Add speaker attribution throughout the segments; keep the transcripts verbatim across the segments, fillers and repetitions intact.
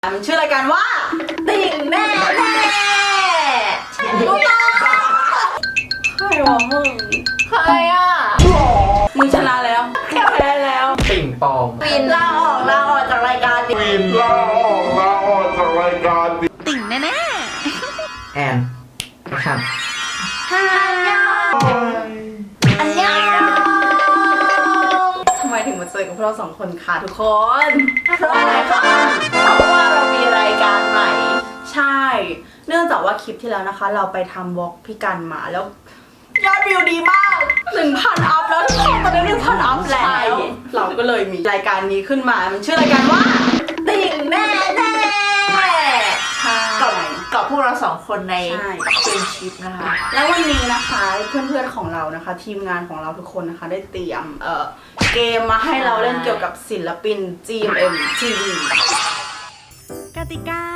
Speaker 1: มันชื่อรายการว่าติ่งแน่แน่รู้ต้องใครวะมึงใครอ่ะมึงชนะแล้วแพ้แล้ว
Speaker 2: ติ่งปอง
Speaker 1: วินลาออกลาออกจากรายการดิ
Speaker 2: วินลาออกลาออกจากรายการดิ
Speaker 1: ติ่งแน่แน่
Speaker 2: แอนครับ
Speaker 1: ฮายออันยองทำไมถึงมาเจอกับพวกเราสองคนคะทุกคนเพราะอะไรคะเพราะว่าเรามีรายการใหม่ใช่เนื่องจากว่าคลิปที่แล้วนะคะเราไปทำวอล์กพี่กันมาแล้วยอดวิวดีมากหนึ่งพันอัพแล้วทุกคนตอนนี้หนึ่งพันอัพแล้วเราก็เลยมีรายการนี้ขึ้นมามันชื่อรายการว่าติ่งแน่แน่กับกับพวกเราสองคนในเฟรนชิพนะคะแล้ววันนี้นะคะเพื่อนๆของเรานะคะทีมงานของเราทุกคนนะคะได้เตรียมเอ่อเกมมาให้เราเล่นเกี่ยวกับศิลปิน จี เอ็ม เอ็ม ที วี
Speaker 3: กติกา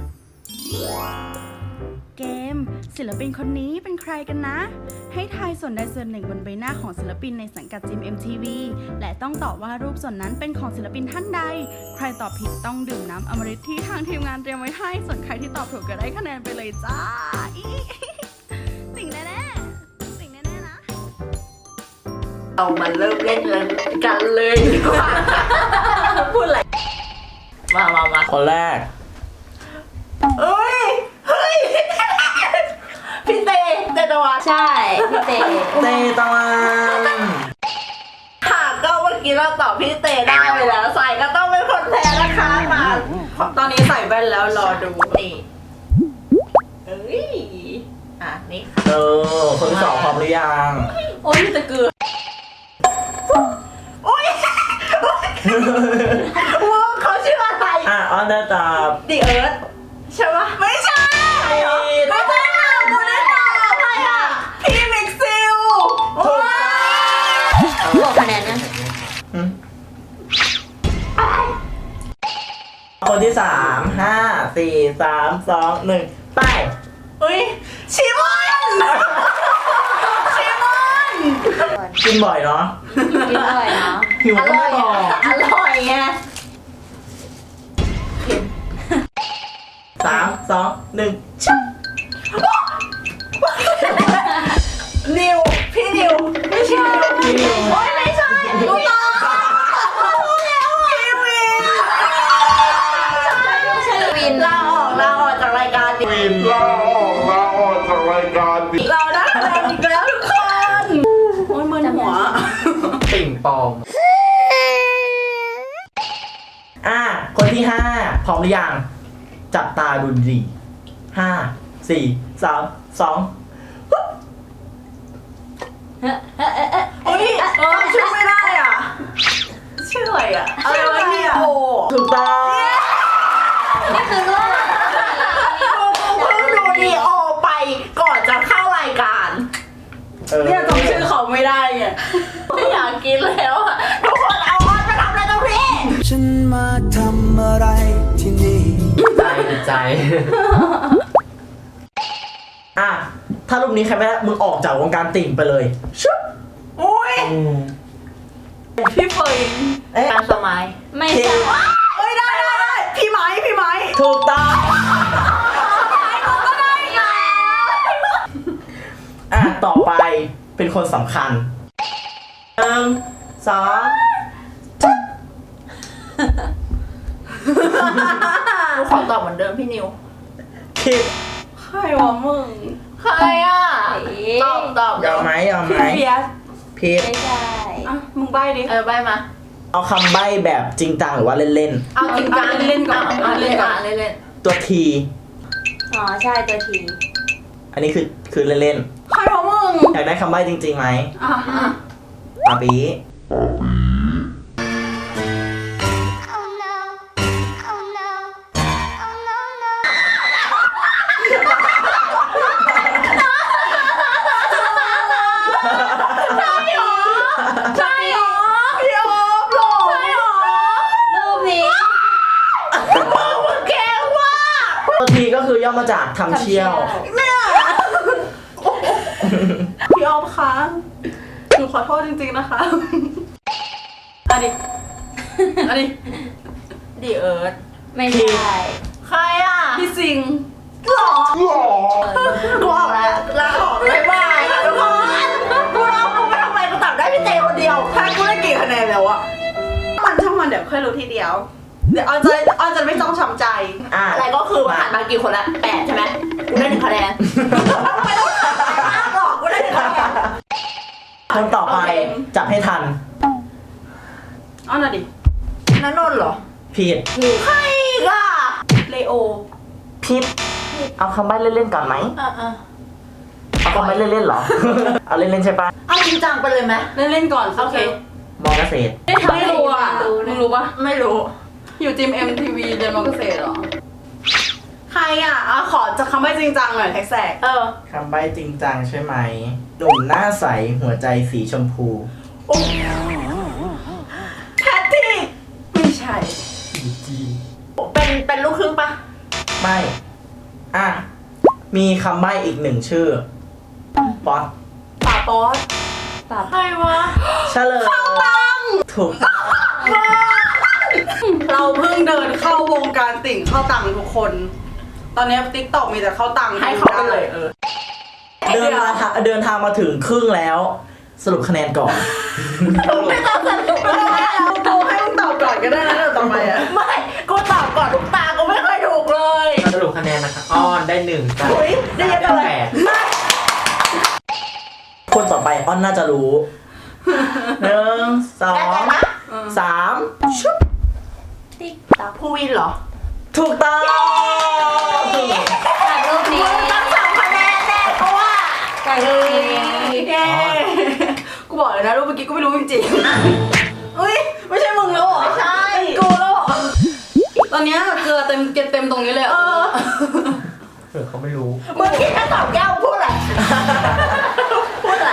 Speaker 3: เกมศิลปินคนนี้เป็นใครกันนะ ให้ทายส่วนใดส่วนหนึ่งบนใบหน้าของศิลปินในสังกัด จี เอ็ม ที วี และต้องตอบว่ารูปส่วนนั้นเป็นของศิลปินท่านใด ใครตอบผิดต้องดื่มน้ำอมฤตที่ทางทีมงานเตรียมไว้ให้ ส่วนใครที่ตอบถูกก็ได้คะแนนไปเลยจ้าอีสิ่งแน่ๆสิ่งแน่ๆนะ
Speaker 1: เรามาเริ่มเล่นกันเลยดีกว่าพูดอะไรมามามา
Speaker 2: คนแรก
Speaker 1: เอ้ยเฮ้ยพี่เตเตตะวัน
Speaker 4: ใช่พี่เต
Speaker 2: เตตะวัน
Speaker 1: ค่ะก็เมื่อกี้เราตอบพี่เตได้ไปแล้วใส่ก็ต้องเป็นคนแพ้นะคะมาตอนนี้ใส่แว่นแล้วรอดูนี่เอ้ยอ่ะนี่
Speaker 2: เออคนที่สองพร้อมหรือยัง
Speaker 1: โอ้ยมีแต่เกลือโอ้ยว่าเขาชื่ออะไร
Speaker 2: อ่ะออนได้ตอบ
Speaker 1: ดิเอิร์ธใช่ปะไม่ใช่ไม่ใช่ค่ะกูได้ตอบใครอ่ะพี่มิกซิลว้า
Speaker 4: บอกคะแนนนะ
Speaker 2: อืมคนที่สามห้าสี่สามสองหนึ่งไป
Speaker 1: อุ้ยชิมอนชิมอน
Speaker 2: กินบ่อยเนาะ
Speaker 4: กินอร่อยเนาะ
Speaker 2: หิว
Speaker 1: อ
Speaker 2: ก็
Speaker 1: ร่อ
Speaker 2: ไม่
Speaker 1: ย
Speaker 2: บอก
Speaker 1: อร่อยไง
Speaker 2: สามสองหนึ่ง
Speaker 1: นิวพี่นิวไม่ใช่พี่นิวโอ้ยไม่ใช่รู้ต่อรู้แล้วอ่ะพี่วินใช่ไม่ใช่วินลาออกลาออกจากรายการดิ
Speaker 2: วินลาออกลาออกจากรายการดิ
Speaker 1: เราได้คะแนนอีกแล้วทุกคนโอ้ยมึนหัว
Speaker 2: ติ่งปองอ่ะคนที่ห้าพร้อมหรือยังจับตาดูดีห้าสี่สามสอง
Speaker 1: เฮ้ยเออชื่อไม่ได้อ่ะชื่ออะไรอ่ะอะไรวะเนี่ยโอ้
Speaker 2: ถูกต้อง
Speaker 4: นี่คือว่า
Speaker 1: เพิ่งดูดีโอไปก่อนจะเข้ารายการ
Speaker 2: เออ
Speaker 1: เนี่ยจำชื่อเขาไม่ได้ไงไม่อยากกินแล้วอ่ะทุกคนเอาออนไปทำอะไรตรงนี้
Speaker 5: ฉันมาทำอะไรที่นี่
Speaker 2: ใจใจอ่ะถ้ารูปนี้ใครไม่ได้มึงออกจากวงการติ่งไปเลยชุบ
Speaker 1: อุ้ย
Speaker 2: อืม
Speaker 1: พี่เฟย
Speaker 2: เอ๊ะ
Speaker 1: การสมัย
Speaker 4: ไม่ใช่
Speaker 1: เอ้ยได้ได้ได้พี่ไม้พี่ไม้
Speaker 2: ถูกต้องอ่ะต่อไปเป็นคนสำคัญหนึ่งสอง
Speaker 1: ขอตอบเหมือนเดิมพี่นิว
Speaker 2: คิด
Speaker 1: ใครวะมึงใครอ่ะตอบตอบ
Speaker 2: ยอมไหมยอมไหม
Speaker 1: พี่เบียส
Speaker 2: พีท
Speaker 4: ไม่ใช่
Speaker 1: อ่ะมึงใบ้ดิเออใบ้มา
Speaker 2: เอาคำใบ้แบบจริงจังหรือว่าเล่น
Speaker 1: เอาจริงจังเล่นๆก่อนเอาเล่นก่อนเล่น
Speaker 2: ๆตัวที
Speaker 4: อ๋อใช่ตัวที
Speaker 2: อันนี้คือคือเล่น
Speaker 1: ๆใครวะมึง
Speaker 2: ๆอยากได้คำใบ้จริงๆไหม
Speaker 1: อ่ะอ่ะ
Speaker 2: ปาปี
Speaker 6: Oh no. Oh no. Oh no, no.
Speaker 1: ใช่หรอพี่โอ๊บหรอใช่หรอ
Speaker 4: รูปนี้
Speaker 1: มึงแกว่า
Speaker 2: ตัวทีก็คือย่อมาจากทำเชี่ยว
Speaker 1: เนี่ยพี่ออฟคะหนูขอโทษจริงๆนะคะอันนี้อันนี้ดิเอิร์ธ
Speaker 4: ไม่ใช่
Speaker 1: ใครอ่ะ พี่สิงห์หรอกูออกแล้วลาออกบ๊ายบายค่ะทุกคนกูร้องกูไม่ทำอะไรกูตอบได้พี่เตคนเดียวถ้ากูได้กี่คะแนนแล้วอะมันช่างมันเดี๋ยวค่อยรู้ทีเดียว เดี๋ยวออนจะออนจะไม่ต้องช้ำใจ
Speaker 2: อ่ะ
Speaker 1: อะไรก็คือผ่านมากี่คนละแปดใช่ไหมกูได้หนึ่งคะแนนไม่ต้องถามมากหรอกกูได้หนึ่งคะแนน
Speaker 2: คนต่อไป
Speaker 1: โอเค
Speaker 2: จับให้ทัน
Speaker 1: อ้อนน่ะดินันนนท์เหรอ
Speaker 2: ผิด
Speaker 1: ใครอีกอะเลโอ
Speaker 2: ผิดเอาคำใบ้เล่นๆก่อนไหม
Speaker 1: อ่ะอ่ะ
Speaker 2: เอาคำใบ้เล่นๆเหรอ เอาเล่นๆใช่ปะ
Speaker 1: เอาจริงจังไปเลยไหมเล่นเล่นๆก่อนโอเค
Speaker 2: มอเกษตร
Speaker 1: ไม่รู้อ่ะมึงรู้ปะไม่รู้ อยู่ทีม เอ็ม ที วี เรียนมอเกษตรเหรอ ใครอ่ะอ่ะขอจะคำใบ้จริงจังหน่อยแท็กแสกเออ
Speaker 2: คำใบ้จริงจังใช่ไหมหนุ่มหน้าใสหัวใจสีชมพู
Speaker 1: แพทติกไม่ใช่ เป็นเป็นลูกครึ่งปะ
Speaker 2: ไม่ อ่ะ มีคำใบ้อีกหนึ่งชื่อ ป๊อต
Speaker 1: ป่าป๊อต
Speaker 4: ปรับ
Speaker 1: ใครวะ
Speaker 2: เฉลยถูกต้อง
Speaker 1: เราเพิ่งเดินเข้าวงการติ่งเข้าตังทุกคน ตอนนี้ติ๊กต็อกมีแต่เข้าตังให้เขาไปเลยเออ
Speaker 2: เดินมาทาเดินทางมาถึงครึ่งแล้ว สรุปคะแนนก่อน
Speaker 1: ไม่ต้องสนุกแล้วกูให้มึงตอบก่อนก็ได้นะเดี๋ยวต่อไปอ่ะไม่กูตอบก่อนทุกตากูไม่เคยถูกเลย
Speaker 7: สรุปคะแนนนะคะอ้อนได้หนึ่งจ้ะ
Speaker 1: อุ๊ยได้เยอะจังเลย
Speaker 7: แปด
Speaker 2: คนต่อไปอ้อนน่าจะรู้ หนึ่ง สอง สามชุบ
Speaker 4: ติ๊กต๊อก
Speaker 1: ภูวินเหรอ
Speaker 2: ถูกต้อง
Speaker 4: จากรูปนี้
Speaker 1: มึงตั้งสามคะแนนแน่เพราะว่า
Speaker 4: จากรูปนี้
Speaker 1: เย้กูบอกเลยนะรูปเมื่อกี้กูไม่รู้จริงๆอุ้ยไม่ใช่มึงแล้วเหรอไม่ใช่กูแล้วเหรอตอนเนี้ยเกลือเต็มเกล็ดเต็มตรงนี้เลยเออ
Speaker 7: เผื่อเขาไม่รู้
Speaker 1: มึงคิดแค่ตอบแก้วพูดอะไรพูดอะไร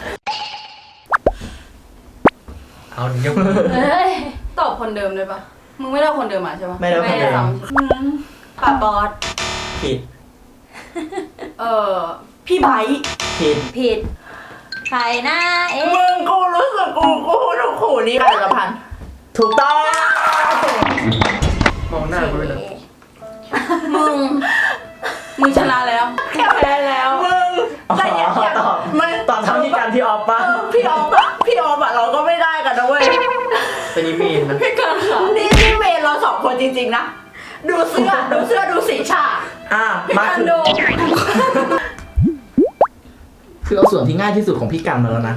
Speaker 7: เอายก
Speaker 4: เฮ้ย
Speaker 1: ตอบคนเดิมเลยปะมึงไม่ได้คนเดิมมาใช่ปะ
Speaker 2: ไม่ได้คนเดิม
Speaker 1: ป้าบอส
Speaker 2: ผิด
Speaker 1: เออพี่ไบค์
Speaker 2: ผิด
Speaker 4: ผิด ใครนะเอ๊ะ
Speaker 1: มึงกูรู้สึกกูกูถูกขู่นี่กันละพัน
Speaker 2: ถูกต้อง
Speaker 7: มองหน้าเขาเลยนะ
Speaker 1: มึงมึงชนะแล้วแค่แพ้แล้วมึง
Speaker 2: อ๋อ
Speaker 1: แต่อย่าอย่า
Speaker 2: ตอบ
Speaker 1: มัน
Speaker 2: ตอบเท่าที่การพี่ออฟปะ
Speaker 1: เออพี่ออฟอะพี่ออฟอะเราก็ไม่ได้กันนะเว้ย
Speaker 7: เป็นนิมีนนะ
Speaker 1: พี่กันค่ะนี่นี่เมนเราสองคนจริงๆนะดูเสื้อดูเสื้อดูสีฉาก
Speaker 2: อ่ะ
Speaker 1: พี่
Speaker 2: มา
Speaker 1: กัน
Speaker 2: ถึง
Speaker 1: ดู
Speaker 2: คือเอาส่วนที่ง่ายที่สุดของพี่กันมาแล้วนะ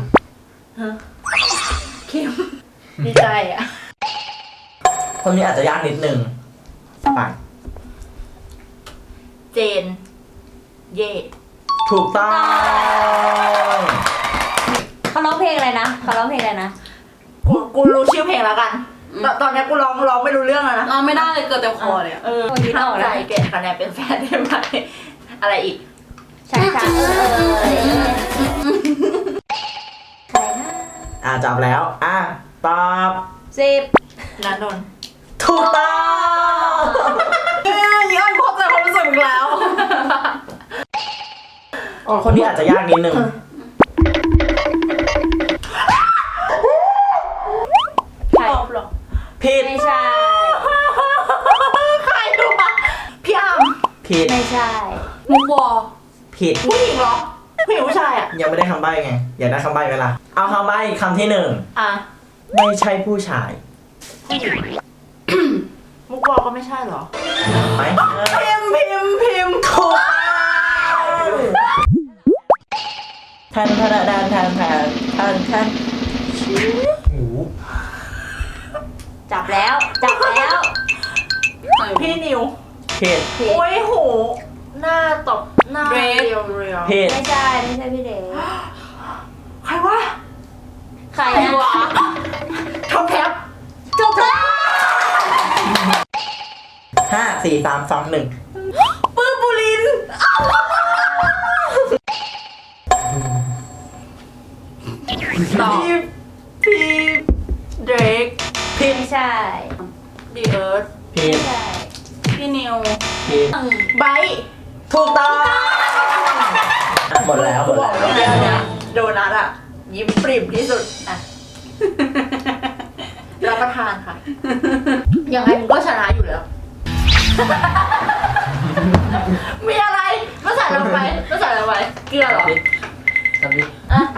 Speaker 1: คิมดีใจอะ
Speaker 2: คนนี้อาจจะยากนิดนึงไป
Speaker 1: เจน เย่
Speaker 2: ถูกต้อง
Speaker 4: เขาร้องเพลงอะไรนะเขาร้องเพลงอะไรนะ
Speaker 1: กูกูรู้ชื่อเพลงแล้วกันตอนตอนนี้กูร้องร้องไม่รู้เรื่องแล้วนะร้องไม่ได้เลยเกิดเต็มคอเลยเออ
Speaker 4: คนคิดออก
Speaker 1: ใจ
Speaker 4: แล้ว
Speaker 1: เปลี่ยนคะแนนเป็นแฟนได้ไหมอะไรอีก
Speaker 4: ช้าๆเออเออเออใครนะ
Speaker 2: อ่ะจับแล้ว อ่ะ ตอบ
Speaker 4: สิบ
Speaker 1: นันนนท์
Speaker 2: ถูกต้อง
Speaker 1: เอ้ยย้อนพบใจความรู้สึกมึงแล้ว
Speaker 2: อ๋อคนนี้อาจจะยากนิดนึง
Speaker 4: ใคร
Speaker 1: ตอบหรอ
Speaker 2: ผิด
Speaker 4: ไม่ใช่
Speaker 1: ใครดูปะพี่อาม
Speaker 2: ผิด
Speaker 4: ไม่ใช่
Speaker 1: มุกวอ
Speaker 2: ผิด
Speaker 1: ผู้หญิงเหรอผู้หญิงผู้ชายอ่ะ
Speaker 2: ยังไม่ได้คำใบ้ไง อยากได้คำใบ้เวลา เอาคำใบ้คำที่หนึ่ง
Speaker 1: อ่ะ
Speaker 2: ไม่ใช่ผู้ชาย
Speaker 1: มุกวอก็ไม่ใช่เหรอ
Speaker 2: ไหม
Speaker 1: พิมพ์พิมพ์พิมพ์
Speaker 2: ถูกแทนแทนแทนแทนแทนแทนแทน
Speaker 7: หู
Speaker 4: จับแล้ว จับแล้ว
Speaker 1: พี่นิว
Speaker 2: ผิด
Speaker 4: ผิด
Speaker 1: โอ้ยโหหน้าตบหน้าเรียวเรียว
Speaker 2: ผิด
Speaker 4: ไม่ใช่ ไม่ใช่พี่เดช
Speaker 1: ใครวะ
Speaker 4: ใคร
Speaker 1: ใคร
Speaker 4: นะ
Speaker 1: วะท็อปแท็บ
Speaker 4: ถูกต้อง
Speaker 2: ห้าสี่สามสองหนึ่ง
Speaker 1: ปื้มบุรินทร์ต่อพี่พี่เดรก
Speaker 2: ผิด
Speaker 4: ไม่ใช่
Speaker 1: ดีเอิร์ธ
Speaker 2: ผิด
Speaker 4: ไม่ใช่
Speaker 1: พี่นิว
Speaker 2: ผิด
Speaker 1: ไบร์ท
Speaker 2: ถูกต้องหมดแล้วหม
Speaker 1: กู
Speaker 2: ด
Speaker 1: บอ
Speaker 2: แล้
Speaker 1: ก
Speaker 2: ว
Speaker 1: เลยเดียวเนี่ยโดนัทอ่ะ ยิ้มปริ่มที่สุดอ่ะ รับประทานค่ะ ยังไงมึงก็ชนะอยู่แล้วมีอะไรมาใส่ลงไปมาใส่ลงไปเกลือเหรอ
Speaker 7: ทำดิ
Speaker 1: อ่ะ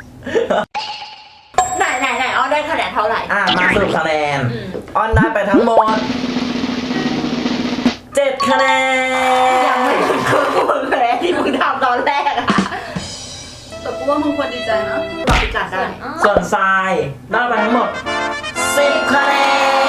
Speaker 1: ไหนไหนไหนอ้อได้คะแนนเท่าไหร่
Speaker 2: อ่ะมาสรุปคะแนน
Speaker 1: อืม
Speaker 2: ออนได้ไปทั้งหมดเจ็ดคะแนน
Speaker 1: ยังไม่ถึงครึ่งมึงเลยที่มึงทำตอนแรกอะแต่กูว่ามึงควรดีใจนะตอบพิการได้
Speaker 2: ส่วนทรายได้ไปทั้งหมดสิบคะแน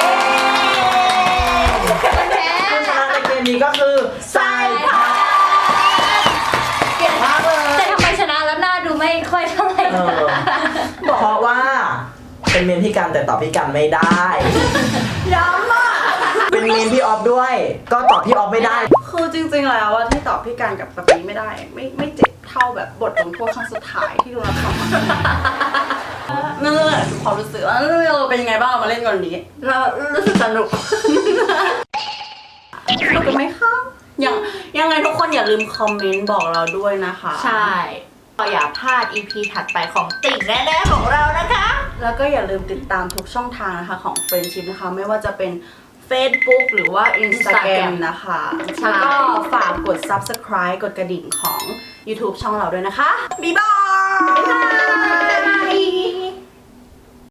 Speaker 2: นผู้ชนะในเกมนี้ก็คือทรายค่ะ
Speaker 1: เก่งมากเลย
Speaker 4: แต่ทำไมชนะแล้วหน้าดูไม่ค่อยเท่าไหร่
Speaker 2: เออเพราะว่าเป็นเมนพี่กันแต่ตอบพี่กันไม่ได้
Speaker 1: ย้ำอ่ะ
Speaker 2: เป็นเมนพี่ออฟด้วย ก็ตอบพี่ออฟไม่ได้
Speaker 3: คือจริงๆแล้วว่าที่ตอบพี่การกับปะปีไม่ได้ ไม่ไม่เจ็บเท่าแบบบทลงโทษครั้งสุดท้ายที่โดนรับทำนั่นแหละคือความรู้สึกว่าเราเป็นยังไงบ้างเรามาเล่นกันวันนี้
Speaker 1: เรารู้สึกสนุก
Speaker 3: สนุกกันไหมคะยังยังไงทุกคนอย่าลืมคอมเมนต์บอกเราด้วยนะคะ
Speaker 1: ใช่ก็อย่าพลาด อี พี ถัดไปของติ่งแน่ๆของเรานะคะ
Speaker 3: แล้วก็อย่าลืมติดตามทุกช่องทางนะคะของ Friendship นะคะไม่ว่าจะเป็น Facebook หรือว่า Instagram นะคะ
Speaker 1: ใช่
Speaker 3: แล้วก็ฝากกด Subscribe กดกระดิ่งของ YouTube ช่องเราด้วยนะคะ บ๊ายบาย